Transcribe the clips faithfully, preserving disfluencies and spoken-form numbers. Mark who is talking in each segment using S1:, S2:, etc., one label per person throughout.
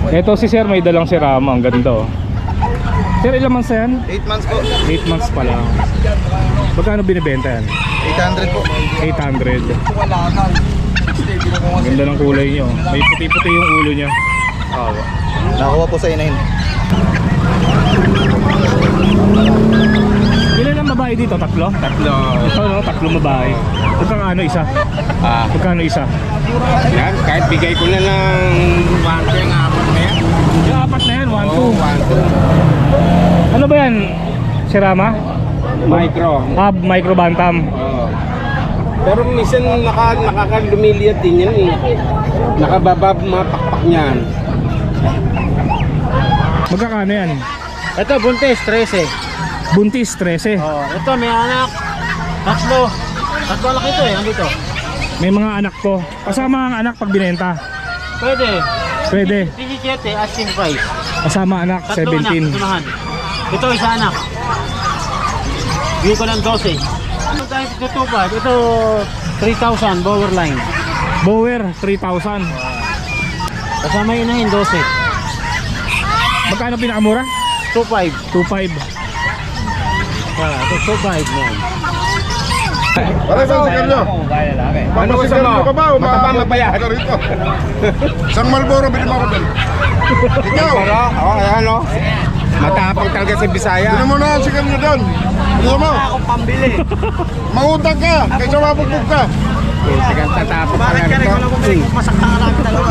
S1: Ito si sir, may dalang si Rama. Ang ganda oh. Sir, ilang months na yan?
S2: eight months po.
S1: eight months pa lang. Magkano binibenta yan?
S2: eight hundred po.
S1: eight hundred. Ganda ng kulay nyo. May puti-puti yung ulo niya. Awa.
S2: Nakuha po sa inahin.
S1: Ilan ang babae dito? Tatlo?
S2: Tatlo.
S1: Ito no, tatlong babae. Magkano isa?
S2: Ah,
S1: Magkano isa?
S2: yan. Kahit bigay ko na ng one ko yung apat na yan.
S1: Yung apat na yan, one, two.
S2: one, two.
S1: Ano ba yan? Si Rama?
S2: Micro.
S1: Ah, micro bantam.
S2: Oo. Pero minsan naka, nakakalumiliat din yan eh. Nakababab mga pakpak niyan.
S1: Magkakano yan?
S2: Ito, buntis, trese.
S1: Buntis, trese.
S2: Oh, ito may anak. Tatlo. Tatlo anak ito eh, andito.
S1: May mga anak ko. Kasama ang anak pag binenta.
S2: Pwede.
S1: Pwede.
S2: Tiki-kete, asking price.
S1: Kasama anak,
S2: Tatlo
S1: seventeen.
S2: anak, tumahan. Ito isa anak. Bigay ko ng twelve. Ito tayo tutupad. Ito three thousand, bower line.
S1: Bower, three thousand.
S2: Kasama yun na yun, twelve.
S1: Magkano pinakamura?
S2: two five.
S1: two five.
S2: Ah, ito two five na yan.
S3: Para sa sigarilyo.
S2: Ano
S3: Ano sigarilyo ka ba?
S2: Mataba, mapaya.
S3: Ito rito. Isang Marlboro, bilhin mo ako doon. Ikaw,
S2: Pero, oh, ayan o. Matapang talaga si Bisaya.
S3: bilhin mo na ang sigarilyo doon. Bilhin mo.
S2: Akong pambili.
S3: Mangutang ka, kaysa mabugbog ka.
S2: Sigang tatapang pala nito.
S4: Masakta ka lang dalawa.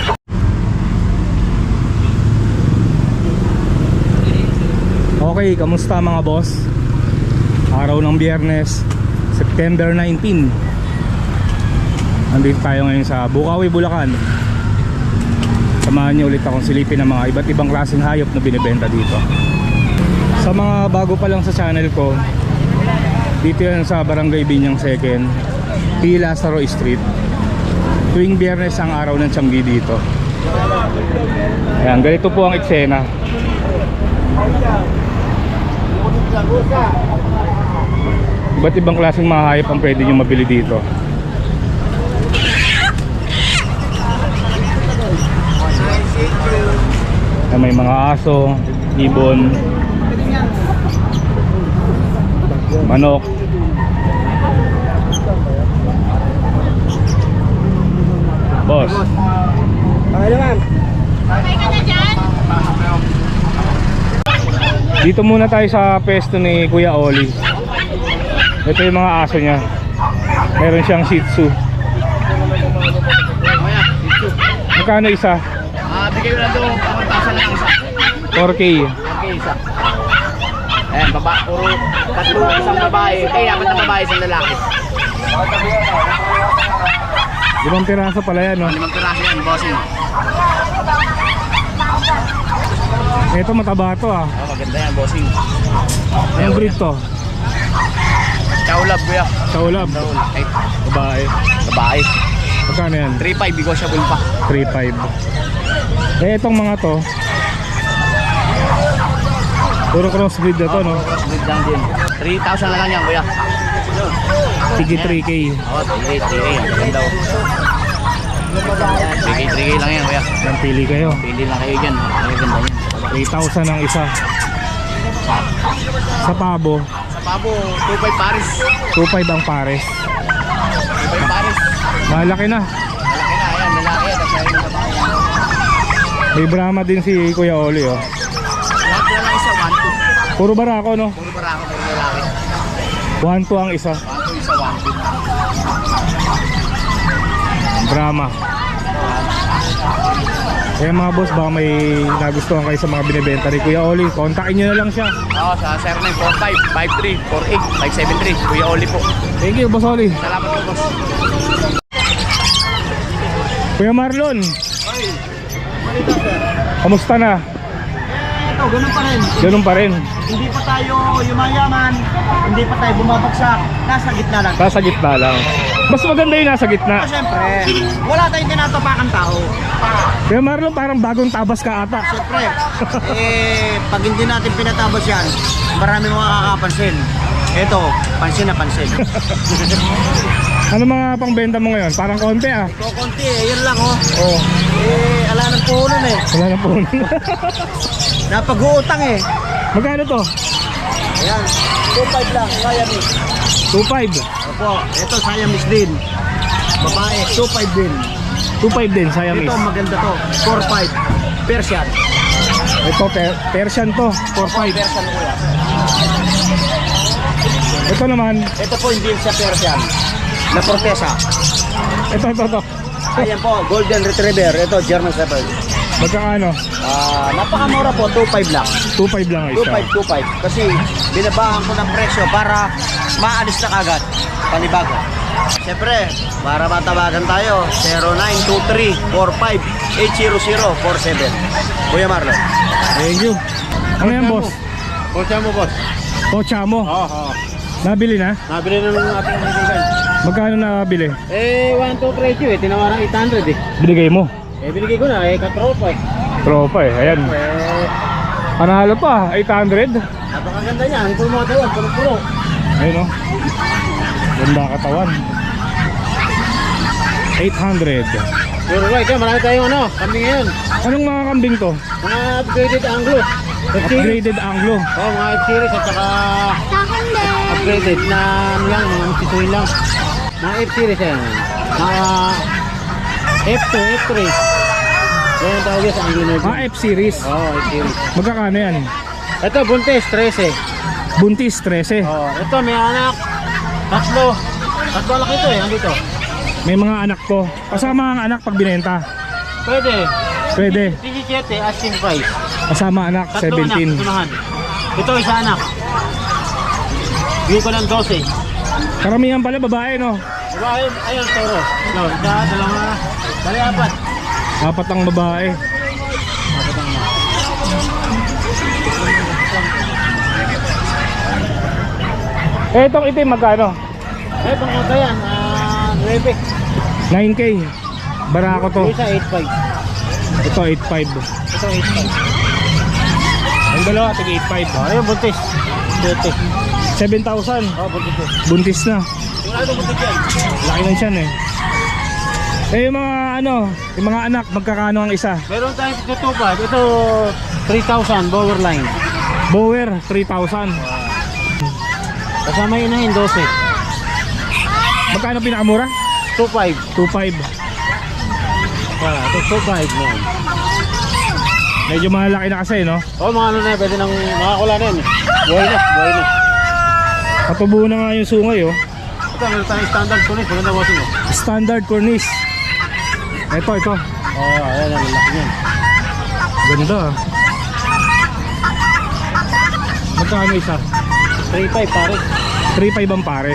S1: Okay, kamusta mga boss? Araw ng Biyernes, September nineteenth. Nandito tayo ngayon sa Bukawi, Bulacan. Samahan niyo ulit akong silipin ng mga iba't ibang klaseng hayop na binibenta dito. Sa mga bago pa lang sa channel ko, dito yan sa Barangay Binyang Second, P. Lazaro Street. Tuwing Biyernes ang araw ng Tianggi dito. Ayan, ganito po ang eksena. Iba't ibang klaseng mga hayop ang pwede nyo mabili dito. May mga aso, ibon, manok. Boss,
S2: Okay naman.
S1: dito muna tayo sa pesto ni Kuya Oli. Ito yung mga aso niya. Meron siyang Shih Tzu. Magkano isa?
S4: Ah, bigay ko na doon, one thousand lang isa.
S1: four K.
S4: Okay, isa. Ayan, baba, puro tatlo, isang babae. Kaya dapat na babae, isang lalaki.
S1: Limang piraso pala yan, no?
S4: Limang piraso yan, bossing.
S1: Ito mataba to, ah.
S4: Oh, maganda yan, bossing.
S1: Anong breed to?
S4: Chaulab, kuya.
S1: Kaulab.
S4: Ay,
S1: Babae.
S4: babae.
S1: Magkano yan?
S4: three five, negotiable pa.
S1: three five. Eh, itong mga to, puro crossbreed na to, no?
S4: Good lang din. three thousand na lang yan, kuya.
S1: Sige, three K.
S4: Oh, three K, three K. Ang ganda, oh. three K, three K lang yan, kuya.
S1: Nang pili kayo.
S4: Pili lang kayo dyan. Ang ganda yan.
S1: three thousand ang isa. Sa pabo,
S4: Sa pabo, two five pares.
S1: two five ang pares.
S4: two five pares.
S1: Malaki na.
S4: Malaki na, ayan, lalaki. Tapos ayun yung babae.
S1: May Brahma din si Kuya Oli, oh.
S4: Lahat na lang isa, one two.
S1: Puro barako, no?
S4: Puro barako, puro lalaki.
S1: one two ang isa.
S4: one two isa, one two.
S1: Brahma. Kaya mga boss, baka may nagustuhan kayo sa mga binibenta ni Kuya Oli, kontakin nyo na lang siya.
S4: Oo, sa zero nine four five, five three four eight, five seven three. Kuya Oli po.
S1: Thank you, Boss Oli.
S4: Salamat po, boss.
S1: Kuya Marlon, kamusta na?
S4: Ito, ganun pa rin.
S1: Ganun pa rin.
S4: Hindi pa tayo yumayaman, hindi pa tayo bumabagsak. Nasa gitna lang.
S1: Nasa gitna lang. Mas maganda yung nasa gitna.
S4: Siyempre, wala tayong tinatapakan tao.
S1: Kuya Marlon, parang bagong tabas ka ata.
S4: Siyempre, eh, pag hindi natin pinatabas yan, marami mga kakapansin. Ito, pansin na pansin.
S1: Ano mga pangbenta mo ngayon? Parang konti, ah.
S4: Ito, konti eh, yun lang oh.
S1: Oh.
S4: Eh, ala ng puhunan eh.
S1: Wala na po.
S4: Napag-uutang eh.
S1: Magkano to?
S4: Ayan, two five lang, Siamese.
S1: two five.
S4: Opo, ito Siamese din. Babae, two five din.
S1: two five din, Siamese.
S4: Ito maganda to, four five. Persian.
S1: Ito, per Persian to, four five.
S4: Persian kuya.
S1: Ito naman,
S4: Ito po hindi siya Persian. Na Cortesa.
S1: ito, ito, ito.
S4: Ayan po, Golden Retriever. Ito, German Shepherd.
S1: Magkano?
S4: Ah, napakamura po, two five lang.
S1: two five lang
S4: two
S1: isa.
S4: five, two five. Kasi binabahan ko ng presyo para maalis na kagad. Panibago. Siyempre, para matabagan tayo, zero nine two three four five eight zero zero four seven. Kuya Marlon.
S1: Thank you. Ano yan, boss?
S2: Kotsa mo, boss.
S1: Pocha mo.
S2: Oo, oo.
S1: Nabili na?
S2: Nabili na ng ating kaibigan.
S1: Magkano nabili?
S2: Eh, one two presyo eh. Tinawaran eight hundred eh.
S1: Binigay mo.
S2: Eh, binigay ko na eh. Katropa eh.
S1: Tropa eh. Ayan.
S2: Eh,
S1: Panalo pa. eight hundred.
S2: napakaganda niya. Ang puro mga tawag. Puro-puro.
S1: Ayun o. Ganda katawan. eight hundred.
S2: Puro right. Eh, marami tayong ano. Kambing ngayon.
S1: Anong mga kambing to?
S2: Mga upgraded Anglo. F-series.
S1: Upgraded Anglo.
S2: Oo, mga F-series at saka upgraded na ano lang, mga sisuin lang. Mga F-series yan. Mga F two, F three. Yan ang tawag yan sa Anglo Nerve.
S1: Ah, F-series.
S2: Oo, F-series.
S1: Magkakano yan?
S2: Ito, buntis, thirteen.
S1: Buntis, thirteen.
S2: Oo, ito, may anak. Tatlo. Tatlo anak ito eh, andito.
S1: May mga anak to. Kasama ang anak pag binenta.
S2: Pwede.
S1: Pwede.
S2: seventeen, asking price.
S1: Kasama anak,
S2: Tatlo
S1: seventeen.
S2: anak, tunahan. Ito, isa anak. Bigyan ko ng twelve.
S1: Karamihan pala babae, no?
S2: Babae, ayun, toro. No, isa, dalawa, bali apat.
S1: Apat ang babae.
S2: Apat ang anak.
S1: Eh, itong itim, magkano?
S2: Eh, pang ano yan, ah, Rebek.
S1: nine K. Barako to.
S2: Isa, eight five.
S1: Ito, eight five.
S2: Ito, eight five.
S1: Ang dalawa, tig eight five.
S2: Oh, ayun, buntis. Buntis.
S1: seven thousand.
S2: Oh, buntis yun.
S1: Buntis na.
S2: Yung ano buntis yan?
S1: Laki ng tiyan eh. Eh, yung mga ano, yung mga anak, magkakano ang isa?
S2: Meron tayong tutupad. Ito, three thousand, bower line.
S1: Bower, three thousand.
S2: Kasama yun na yun, twelve.
S1: Magkano pinakamura?
S2: two five.
S1: two five.
S2: Wala, ito two five na yan.
S1: Medyo malaki na kasi, no?
S2: Oh, mga ano na, pwede nang makakula na yan. eh. Buhay na, buhay na.
S1: Patubo na nga yung sungay, oh.
S2: Ito, meron tayong standard tunis. Maganda wasin mo.
S1: Standard cornice. Ito, ito.
S2: Oh, ayan, ang lalaki niyan.
S1: Ganda, ah. Magkano isa?
S2: three five pare.
S1: three five ang pares.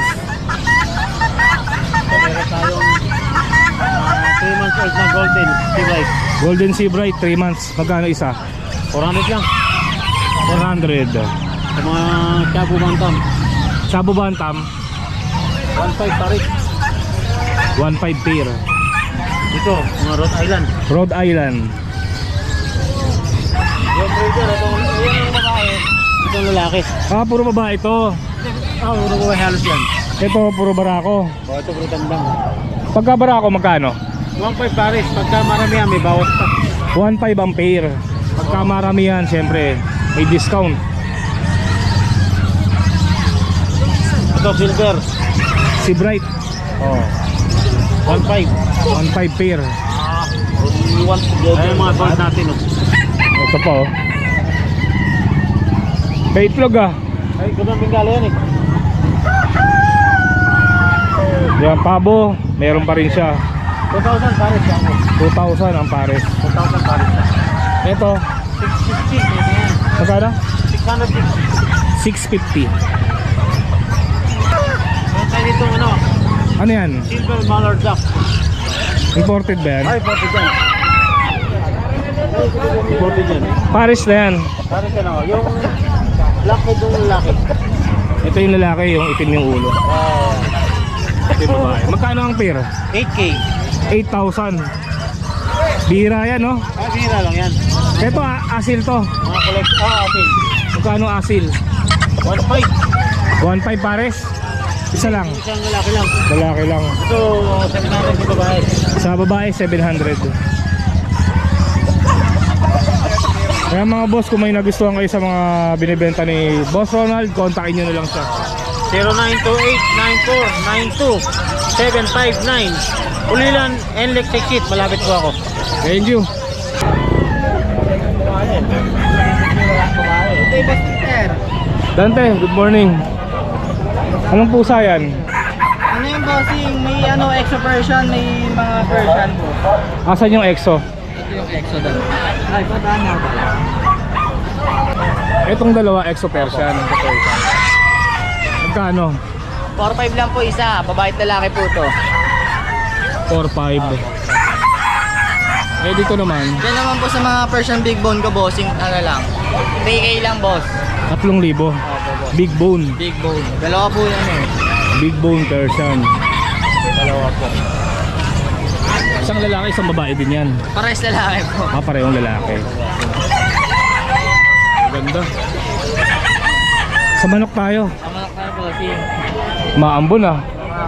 S2: So, meron tayong three months old na golden, T-Bright.
S1: Golden Sea Bright, three months. Magkano isa?
S2: four hundred lang.
S1: four hundred.
S2: Sa mga Shabu Bantam.
S1: Shabu Bantam,
S2: one five pare.
S1: one five pair.
S2: Dito, mga Rhode Island.
S1: Rhode Island.
S2: Yung breeder, ito yung babae. Ito yung lalaki.
S1: Ah, puro babae ito.
S2: Ah, oh, uno ko halos yan.
S1: Ito, puro barako.
S2: Oh, ito puro tandang.
S1: Pagka barako, magkano?
S2: one five pares. Pagka maramihan, may bawas pa.
S1: one five ang pair. Pagka maramihan, syempre, may discount.
S2: Ito, silver.
S1: Si Bright,
S2: Oh. one five.
S1: one five pair.
S2: Ayun yung mga gold natin. Oh.
S1: Ito pa, oh. May itlog, ah.
S2: Ay, gano'n bingala yan eh.
S1: Yan, pabo, meron pa rin siya.
S2: two thousand pares yan.
S1: two thousand ang pares.
S2: two thousand pares yan.
S1: Ito,
S2: six fifty. Ito yan.
S1: magkano?
S2: six hundred six.
S1: six fifty.
S2: Meron tayo dito ano,
S1: Ano yan?
S2: silver mallard duck.
S1: Imported ba yan?
S2: Ay, forty dyan. forty dyan.
S1: Pares na yan.
S2: Pares yan ako. Yung laki doon laki.
S1: Ito yung lalaki, yung itim yung ulo.
S2: Oh.
S1: Ito yung babae. Magkano ang pair?
S2: eight K.
S1: eight thousand. Bira yan, no?
S2: Ah, bira lang yan.
S1: Ito, a- asil to.
S2: Mga collect. Ah, atin.
S1: Magkano asil?
S2: one five.
S1: one five pares? Isa lang.
S2: Isang lalaki lang.
S1: Lalaki lang.
S2: Ito, seven hundred sa babae.
S1: Sa babae, seven hundred. Kaya mga boss, kung may nagustuhan kayo sa mga binibenta ni Boss Ronald, kontakin nyo na lang siya.
S2: zero nine two eight nine four nine two seven five nine. Ulilan and Electric Kit. Malapit po ako.
S1: Thank you. Dante, good morning. Anong pusa yan?
S5: Ano yung bossing? May ano, exo version, may mga version po.
S1: Asan yung EXO?
S5: Ito yung exo daw. Ay, pataan na pala.
S1: Itong dalawa, EXO Persian. Magkano?
S5: four five lang po isa, babae at lalaki po to.
S1: four five. Eh dito naman,
S5: Diyan naman po sa mga Persian big bone ko, bossing, ano lang. three K lang, boss.
S1: tatlong libo.
S5: Opo, boss.
S1: Big bone.
S5: Big bone. Dalawa po yan eh.
S1: Big bone Persian.
S5: Dalawa po.
S1: Isang lalaki, isang babae din yan.
S5: Pares lalaki po.
S1: Ah, parehong lalaki. Ganda. Sa manok tayo.
S5: Tama na bossing.
S1: Maambon ah.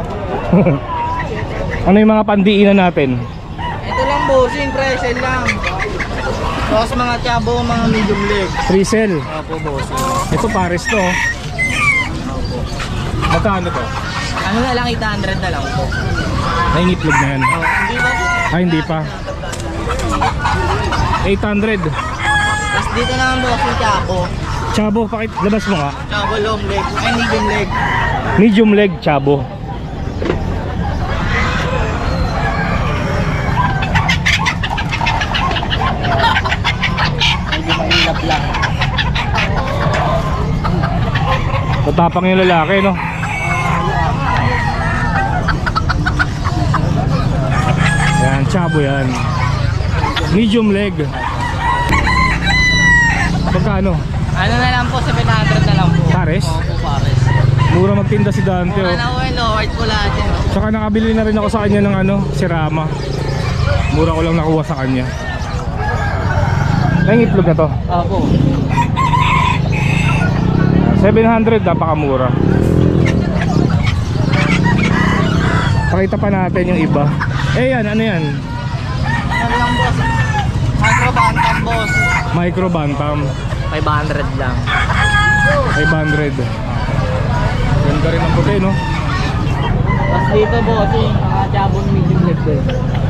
S1: Ano yung mga pandiinan natin?
S5: Ito lang, bossing, presel lang. Tapos mga chabo, mga medium leg.
S1: Free sell.
S5: Opo, bossing.
S1: Ito pares to. oh. Magkano to?
S5: Ano na lang, eight hundred na lang po.
S1: Ay, ngitlog na yan.
S5: Oh, hindi ba?
S1: Ay, hindi pa. eight hundred.
S5: Tapos dito naman, bossing, chabo.
S1: Chabo, pakit, labas mo nga.
S5: Chabo long leg. Ay, medium leg.
S1: Medium leg chabo.
S5: Medyo mahilap lang.
S1: Matapang yung lalaki, no? Yan, chabo yan. Medium leg. Magkano?
S5: Ano na lang po, seven hundred na lang po.
S1: Pares?
S5: Opo, pares.
S1: Mura magtinda si Dante,
S5: Mura
S1: oh.
S5: na po eh, lowered po lahat yun. oh.
S1: Tsaka nakabili na rin ako sa kanya ng ano, si Rama. Mura ko lang nakuha sa kanya. Ay, itlog na to.
S5: Opo.
S1: seven hundred, napakamura. Pakita pa natin yung iba. Eh yan, ano yan?
S5: Ano lang boss? Micro bantam boss.
S1: Micro Bantam.
S5: five hundred lang.
S1: five hundred. Ganda rin ang puti, no?
S5: Tapos dito boss, yung mga chabon medium leg din.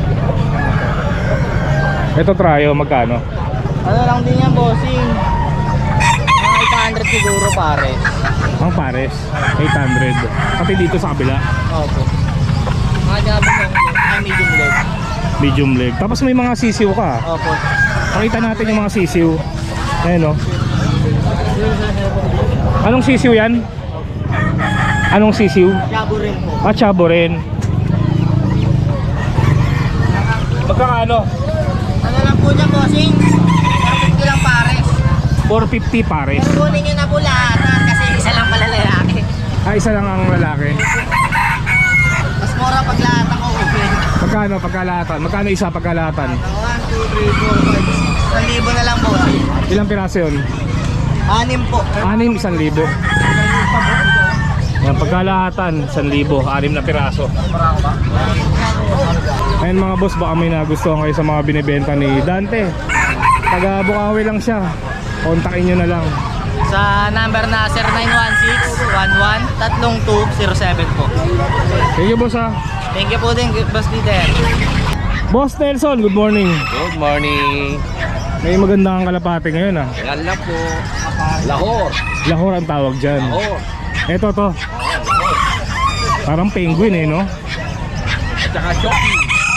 S1: Ito tryo, magkano?
S5: Ano lang din yan bossing? Mga eight hundred siguro pare.
S1: Ang pares, eight hundred. Pati dito sa kabila,
S5: Opo. Mga chabon long leg. Ay, medium leg.
S1: medium leg. Tapos may mga sisiw ka.
S5: Opo.
S1: Pakita natin yung mga sisiw. Ayan, no? Anong sisiw yan? Anong sisiw?
S5: Chabo rin po.
S1: Ah, chabo rin. Magkano?
S5: Ano lang po dyan bossing? four fifty lang pares.
S1: four fifty pares.
S5: Pero kunin nyo na po lahat ah, kasi isa lang pala lalaki.
S1: Ah, isa lang ang lalaki.
S5: Mas mura pag lahat ako open.
S1: Magkano pagkalahatan? Magkano isa pagkalahatan?
S5: one, two, three, four, five, six. Isang libo na lang bossing.
S1: Ilang piraso yun?
S5: Anim po.
S1: Anim, isang libo. Yan, pagkalahatan, isang libo, anim na piraso. Ayan mga boss, baka may nagustuhan kayo sa mga binibenta ni Dante. Taga Bukawi lang siya. Kontakin nyo na lang.
S5: Sa number na zero nine one six one one three two zero seven po.
S1: Thank you boss ha.
S5: Thank you po din, Boss Peter.
S1: Boss Nelson, good morning.
S2: Good morning.
S1: May maganda kang kalapate ngayon ha.
S2: Yan lang po. Lahore.
S1: Lahore ang tawag dyan.
S2: Lahore.
S1: Eto to. Parang penguin eh, no?
S2: At saka Shoki.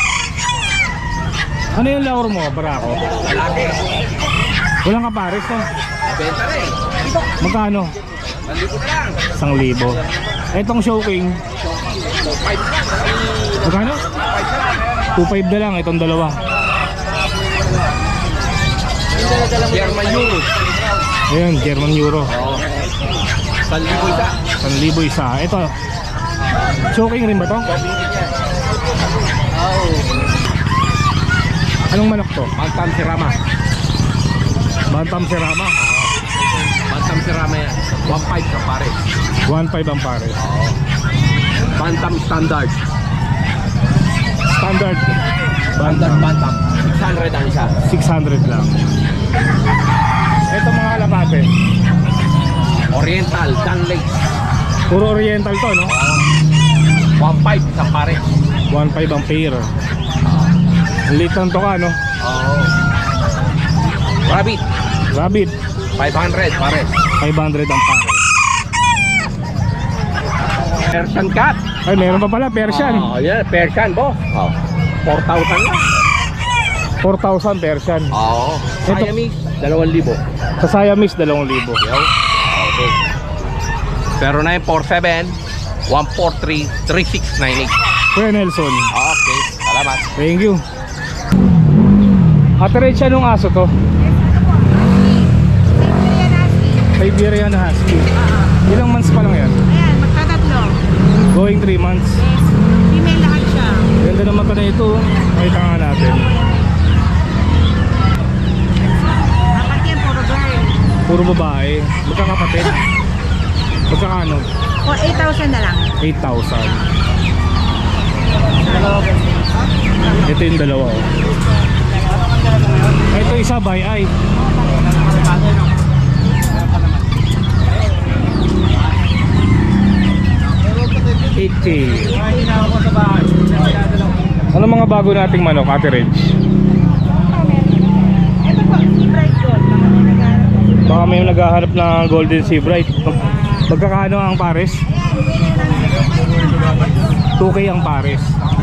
S1: Ano yung Lahore mo, Barako?
S2: Malaki.
S1: Walang kapares no?
S2: Benta rin.
S1: Magkano?
S2: Malikot lang.
S1: Isang libo. Etong Showking, magkano? two five na lang itong dalawa.
S2: German Euro.
S1: Ayan, German Euro.
S2: Oo. San libo isa.
S1: one libo isa. Ito. Showking rin ba to?
S2: Oo.
S1: Anong manok to?
S2: Bantam Sirama.
S1: Bantam Serama.
S2: Bantam Sirama yan. one five ka pare.
S1: one five ang pares.
S2: Bantam Standard.
S1: Standard.
S2: Bantam
S1: Bantam.
S2: Bantam. six hundred ang isa.
S1: six hundred lang. Ito mga kalapate.
S2: Oriental, Danlake.
S1: Puro oriental to, no?
S2: one five isang pare.
S1: one five ang pair. Ang liit ng toka, no?
S2: Oo. Rabbit,
S1: Rabbit,
S2: five hundred pare.
S1: five hundred ang pare.
S2: Persian cat.
S1: Ay, meron pa pala, Persian.
S2: Oh, yeah, Persian boss. Oh. four thousand lang.
S1: four thousand Persian.
S2: Oo.
S1: Ito-
S2: Siamese, dalawang libo.
S1: Sa Siamese, dalawang libo.
S2: Yo. Okay. zero nine four seven, one four three, three six nine eight.
S1: Kuya Nelson,
S2: Okay, salamat.
S1: thank you. Ate Rachel, anong aso to? Siberian Husky. Ilang months pa lang yan?
S6: Ayan, magtatatlo.
S1: Going three months.
S6: Yes. Female lahat siya.
S1: Ganda naman ka na ito. Makita nga natin.
S6: Apat yan, puro girl.
S1: Puro babae. Magkakapatid. Magkakano?
S6: O, eight thousand na lang.
S1: eight thousand. Ito yung dalawa. Oh. Ito isa by eye. eight K. Ano mga bago nating manok, Ate Reg?
S6: Ito po, si Bright Gold. Baka may naghahanap.
S1: Baka may naghahanap ng Golden Sea Bright. Mag- Magkakano ang pares? two K ang pares.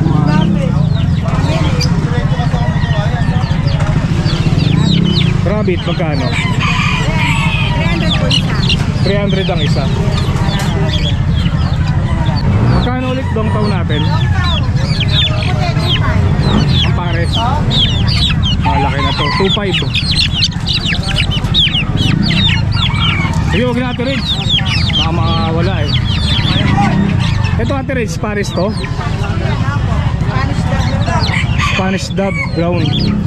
S1: Rabbit, magkano?
S6: three hundred po isa.
S1: three hundred ang isa. Magkano ulit dong taon natin?
S6: Puti, two five.
S1: Ang pares. Malaki na to. two five. Sige, huwag na Ate Reg. Baka makawala eh. Ito Ate Reg, pares to.
S6: Spanish dog na to.
S1: Spanish Dub Brown.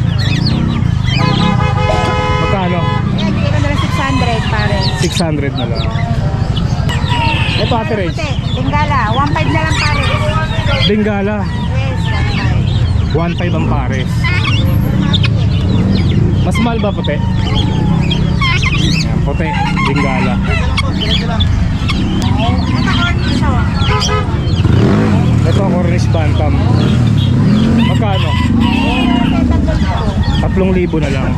S1: Magkano?
S6: Ayan, bigyan ko na lang six hundred pare.
S1: six hundred na lang. Ito Ate Reg,
S6: Puti, Bengala. one five na lang pare.
S1: Bengala.
S6: Yes,
S1: one
S6: one five.
S1: five ang pares. Mas mahal ba puti? Yan, puti, Bengala. Ito Cornish Bantam. Magkano? tatlong libo na lang.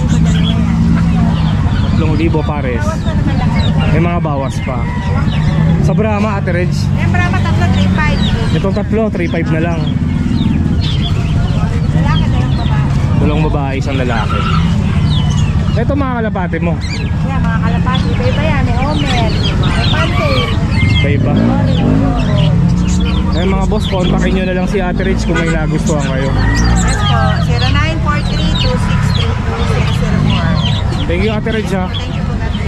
S1: tatlong libo pares. May mga bawas pa. Sa Brahma, Ate Reg,
S6: Ayan, Brahma tatlo, three five.
S1: itong tatlo, three five na lang.
S6: Lalaki na lang babae.
S1: Dalawang babae, isang lalaki. Ito mga kalapate mo.
S6: Yan, mga kalapati. Iba-iba yan. May Omer. May Pantail.
S1: Iba-iba.
S6: Orange.
S1: Eh mga boss, kontakin nyo na lang si Ate Rich kung may nagustuhan kayo.
S6: Yes po. zero nine four three two six three two six zero four.
S1: Thank you Ate Rich ha.
S6: Thank you po natin.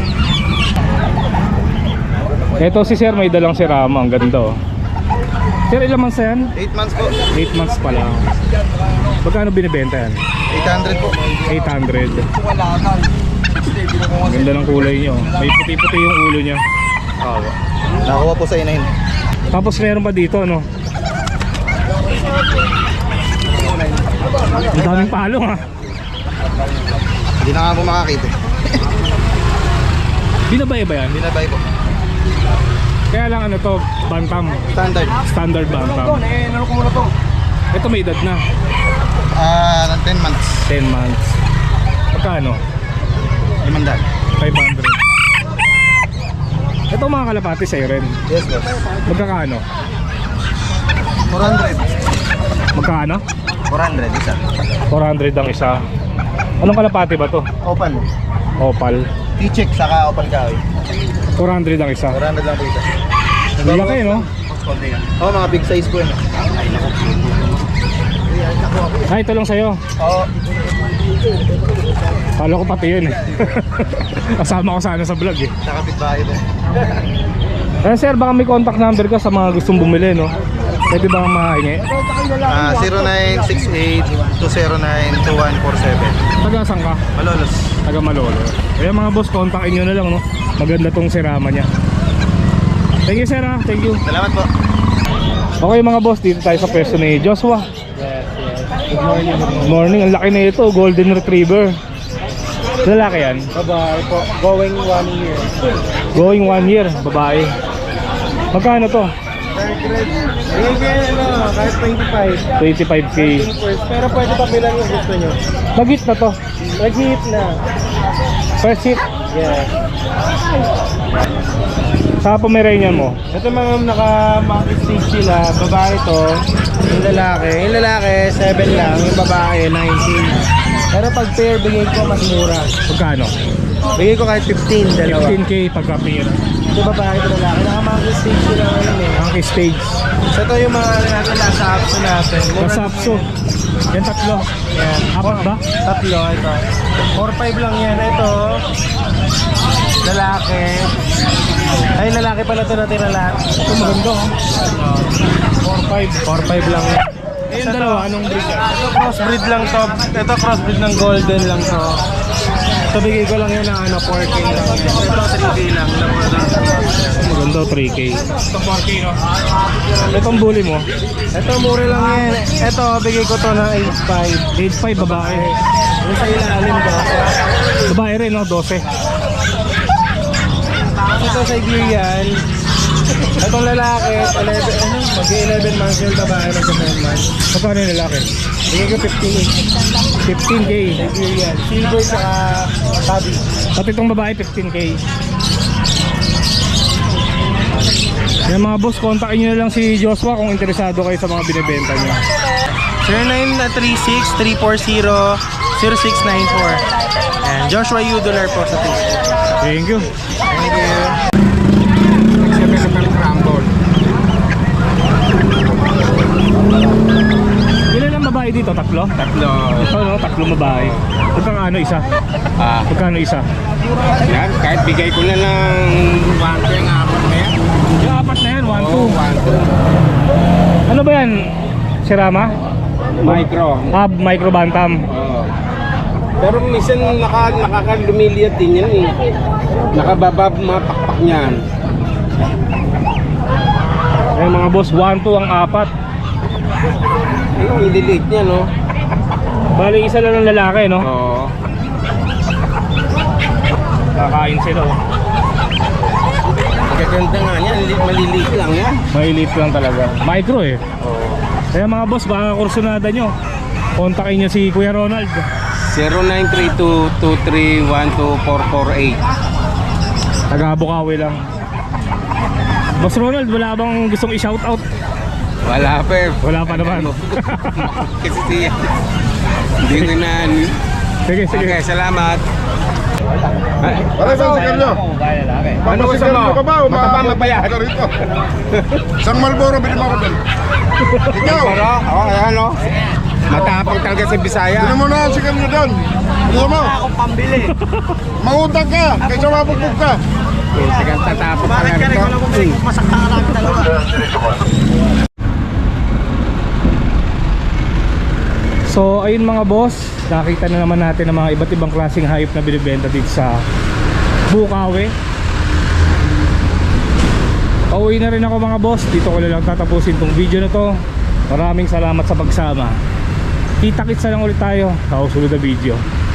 S1: Ito si Sir, may dalang si Rama. Ang ganda oh. Sir, ilang months na yan?
S3: eight months po.
S1: eight months pa lang. Magkano binibenta yan?
S3: eight hundred po.
S1: eight hundred. Ang ganda ng kulay nyo. May puti-puti yung ulo niya.
S3: Nakuha po sa inahin.
S1: Tapos meron pa dito ano. Ang daming palong ha.
S3: Hindi na nga po makakita.
S1: Binabay ba yan?
S3: Binabay po.
S1: Kaya lang ano to, bantam.
S3: Standard.
S1: Standard bantam. Ito may edad na.
S3: Ah, uh, ten months.
S1: ten months. Magkano?
S3: Limandaan.
S1: five hundred. Ito mga kalapati sa'yo rin.
S3: Yes, boss.
S1: Magkakano?
S3: four hundred.
S1: Magkano?
S3: four hundred isa.
S1: four hundred ang isa. Anong kalapati ba to?
S3: Opal.
S1: Opal.
S3: T-check saka opal kahoy.
S1: four hundred ang isa.
S3: four hundred lang po isa.
S1: Ang laki no?
S3: Oo, oh, mga big size po yun.
S1: Ah, ito lang sa'yo.
S3: Oo.
S1: Kala ko pati yun eh. Kasama ko sana sa vlog eh.
S3: Nakapit bahay po.
S1: Eh sir, baka may contact number ka sa mga gustong bumili no? Pwede ba mahingi?
S3: Ah, zero nine six eight two zero nine two one four seven.
S1: Taga saan ka?
S3: Malolos.
S1: Taga Malolo. Kaya mga boss, kontakin nyo na lang no? Maganda tong sirama niya. Thank you sir ha, thank you.
S3: Salamat po.
S1: Okay mga boss, dito tayo sa pwesto ni Joshua.
S2: Yes, yes.
S1: Good morning. Good morning, ang laki na ito, Golden Retriever. Lalaki yan?
S2: Babae po. Going one year.
S1: Going one year, babae. Magkano to?
S2: Third grade. Ayun kaya ano, kahit twenty-five.
S1: twenty-five K.
S2: First, pero pwede pa bilang yung gusto nyo.
S1: Nag-hit na to.
S2: Nag-hit na.
S1: First hit.
S2: Yeah.
S1: Sa Pomeranian mo?
S2: Ito mga naka-monkey stick sila. Babae to. Yung lalaki. Yung lalaki, seven lang. Yung babae, nineteen. Pero pag pair, bigay ko mas mura.
S1: Magkano?
S2: Bigay ko kahit fifteen, dalawa.
S1: fifteen K pagka pair.
S2: Ito babae, ito lalaki. Naka-monkey stick sila ngayon eh.
S1: Monkey stage.
S2: So ito yung mga ano natin nasa apps natin. Mura
S1: Nasa
S2: lang
S1: Apso. Yan tatlo.
S2: yan.
S1: Apat ba?
S2: Tatlo, ito. four five lang yan. Ito, lalaki. Ay, lalaki pala ito natin lalaki.
S1: Ito maganda oh.
S2: four five. four five lang yan.
S1: Yung dalawa, anong breed yan?
S2: Ito crossbreed lang to. Ito crossbreed ng golden lang to. Ito bigay ko lang yun ng ano, four K lang. Ito three K lang.
S1: Maganda, three K. Ito four K no? Itong bully mo?
S2: Ito mura lang yan. Ito bigay ko to ng eight five.
S1: eight five babae.
S2: Yung sa ilalim ko.
S1: Babae rin no, twelve.
S2: Ito Siberian. Itong lalaki, eleven, ano, mag-eleven months yung babae ng seven months.
S1: Magkano yung lalaki?
S2: Bigay ko fifteen eh.
S1: fifteen K.
S2: Siberian. Silver saka tabi.
S1: Pati itong babae, fifteen K. Yan mga boss, kontakin nyo na lang si Joshua kung interesado kayo sa mga binibenta nyo.
S2: zero nine three six, three four zero, zero six nine four. And Joshua Udolar po sa Facebook.
S1: Thank you.
S2: Thank you.
S3: Siyempre sa Pelcrambol.
S1: Ilan ang babae dito? Tatlo?
S3: Tatlo.
S1: Ito no, tatlong babae. Magkano ano isa?
S3: Ah,
S1: Magkano isa?
S3: yan. Kahit bigay ko na ng one ko yung apat na yan.
S1: Yung apat na yan, one,
S3: Oo,
S1: two.
S3: one, two.
S1: Ano ba yan? Sirama?
S3: Micro.
S1: Hub, micro bantam.
S3: Oo. Pero minsan naka, nakakalumiliat din yan eh. Nakababab mga pakpak niyan.
S1: Ayun mga boss, one, two ang apat.
S3: Ayun, ililiit niya no.
S1: Bali isa lang ng lalaki no?
S3: Oo.
S1: Kakain sila oh.
S3: Magaganda nga yan. li- Maliliit lang yan.
S1: Malilit lang talaga. Micro eh.
S3: Oo.
S1: Kaya mga boss, baka kursunada nyo. Kontakin nyo si Kuya Ronald.
S3: zero nine three two, two three one two, four four eight.
S1: Taga Bukawi lang. Boss Ronald, wala bang gustong i-shoutout?
S3: Wala pa eh.
S1: Wala pa naman.
S3: Kasi siya. Hindi ko na...
S1: Sige, sige.
S3: Okay, salamat.
S7: Ano sa sigarilyo?
S3: Ano gusto mo?
S7: Sigarilyo ka ba?
S3: Mataba, mapayat.
S7: Ka rito. Isang Marlboro, bilhin mo ako doon. Ikaw,
S3: Pero, oh, ayan o. Matapang talaga si Bisaya.
S7: bilhin mo na ang sigarilyo doon. Bilhin mo.
S5: Akong pambili.
S7: Mangutang ka, kaysa mabugbog ka.
S3: Sigang tatapang
S5: Bakit ka rin ko lang bumili kung masakta ka lang dalawa?
S1: So ayun mga boss, nakita na naman natin ang mga iba't ibang klaseng hayop na binibenta dito sa Bukawi. Pauwi na rin ako mga boss. Dito ko na lang tatapusin tong video na to. Maraming salamat sa pagsama. Kita-kitsa lang ulit tayo sa susunod na video.